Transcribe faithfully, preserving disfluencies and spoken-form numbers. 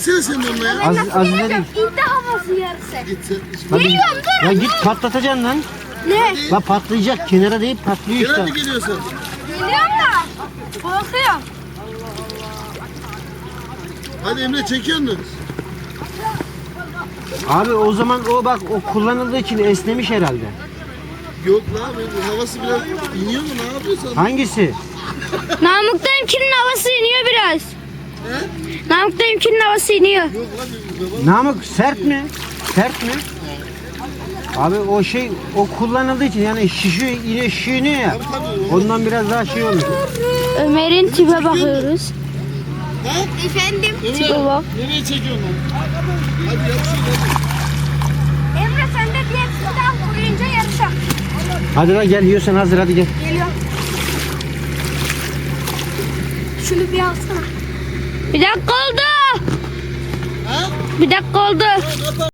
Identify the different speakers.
Speaker 1: gitsene sen de onunla ya.
Speaker 2: Az, az ileri.
Speaker 3: İddia havası yarısı.
Speaker 1: Git sen.
Speaker 2: Hadi.
Speaker 3: Geliyorum dur.
Speaker 2: Ya git patlatacaksın lan.
Speaker 3: Ne?
Speaker 2: La patlayacak. Kenara değil patlıyor
Speaker 1: Gelen
Speaker 2: işte.
Speaker 1: mi geliyorsun?
Speaker 3: Geliyorum da. Korkuyorum.
Speaker 1: Hadi Emre çekiyor musun?
Speaker 2: Abi o zaman o bak o kullanıldığı için esnemiş herhalde.
Speaker 1: Yok lan bu havası biraz iniyor mu ne yapıyorsun?
Speaker 2: Hangisi?
Speaker 3: Namık dayımkinin havası iniyor biraz.
Speaker 1: He?
Speaker 3: Namık dayımkinin havası iniyor.
Speaker 1: Yok lan bir hava.
Speaker 2: Namık sert mi? Sert mi? Abi o şey o kullanıldığı için yani şişiyor yine şişiyor ya. Ondan biraz daha şey olur.
Speaker 3: Ömer'in tipe bakıyoruz.
Speaker 1: He?
Speaker 3: Efendim?
Speaker 1: Emre
Speaker 3: Tipe bak.
Speaker 1: nereye çekiyorsun lan? Hadi yap şunu hadi.
Speaker 3: Emre sen de diğer silah koyunca yarışa.
Speaker 2: Hadi la gel yiyorsan hazır hadi gel.
Speaker 3: Geliyor. Şunu bir alsana. Bir dakika oldu.
Speaker 1: Ha?
Speaker 3: Bir dakika oldu.